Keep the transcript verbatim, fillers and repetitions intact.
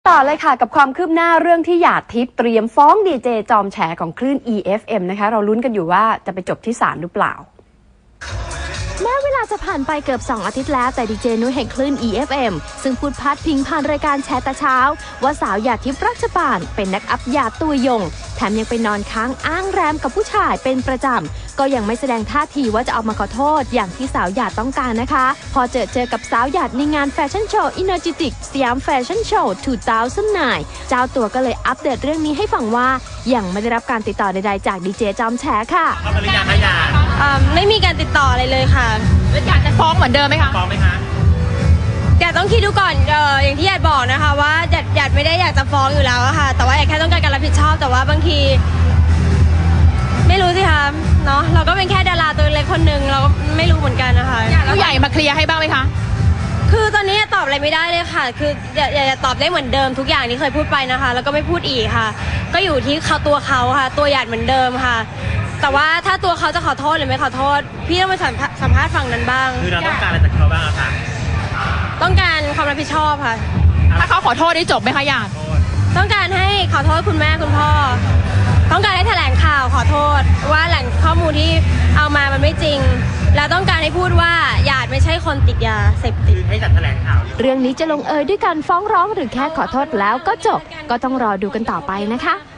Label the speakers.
Speaker 1: ต่อเลยค่ะกับความคืบหน้าเรื่องที่หยาดทิพย์เตรียมฟ้องดีเจจอมแฉของคลื่น อี เอฟ เอ็ม นะคะเราลุ้นกันอยู่ว่าจะไปจบที่ศาลหรือเปล่า
Speaker 2: แม้เวลาจะผ่านไปเกือบสองอาทิตย์แล้วแต่ดีเจนุ้ยแห่งคลื่น อี เอฟ เอ็ม ซึ่งพูดพาดพิงผ่านรายการแชร์แต่เช้าว่าสาวหยาดทิพย์รัชปานเป็นนักอัพยาตัวยงแถมยังไปนอนค้างอ้างแรมกับผู้ชายเป็นประจำก็ยังไม่แสดงท่าทีว่าจะออกมาขอโทษอย่างที่สาวหยาดต้องการนะคะพอเจอเจอกับสาวหยาดในงานแฟชั่นโชว์ Energetic สยามแฟชั่นโชว์ สองพันสิบเก้า เจ้าตัวก็เลยอัปเดตเรื่องนี้ให้ฟังว่ายังไม่ได้รับการติดต่อใดๆจากดีเจจอมแฉค่ะ
Speaker 3: ไม่มีการติดต่ออะไรเลยค่ะ
Speaker 4: แล้วอยากจะฟ้องเหมือนเดิมไหมคะ
Speaker 5: ฟ้องไหมคะ
Speaker 3: อยากต้องคิดดูก่อนเอออย่างที่อยากบอกนะคะว่าอยากอยากไม่ได้อยากจะฟ้องอยู่แล้วอะค่ะแต่ว่าอยากแค่ต้องการการรับผิดชอบแต่ว่าบางทีไม่รู้สิคะเนาะเราก็เป็นแค่ดาราตัวเล็กคนหนึ่งเราก็ไม่รู้เหมือนกันนะคะ
Speaker 4: ผู้ใหญ่มาเคลียร์ให้บ้างไหมคะ
Speaker 3: คือตอนนี้ตอบอะไรไม่ได้เลยค่ะคืออย่าอย่าตอบได้เหมือนเดิมทุกอย่างที่เคยพูดไปนะคะแล้วก็ไม่พูดอีกค่ะก็อยู่ที่เขาตัวเขาค่ะตัวหยาดเหมือนเดิมค่ะแต่ว่าถ้าตัวเขาจะขอโทษหรือไม่ขอโทษพี่ต้องไปสัมภาษณ์ฝั่งนั้นบ้าง
Speaker 5: คือเราต้องการอะไรจากเขาบ้างคะ
Speaker 3: ต้องการความรับผิดชอบค่ะ
Speaker 4: ถ้าเขาขอโทษได้จบไหมคะหยาด
Speaker 3: ต้องการให้ขอโทษคุณแม่คุณพ่อต้องการให้แถลงข่าวขอโทษว่าแหล่งข้อมูลที่เอามามันไม่จริงแล้วต้องการให้พูดว่าหยาดไม่ใช่คนติดยาเสพติด
Speaker 5: ให้จัดแถลงข่าว
Speaker 2: เรื่องนี้จะลงเอยด้วยการฟ้องร้องหรือแค่ขอโทษแล้วก็จบก็ต้องรอดูกันต่อไปนะคะ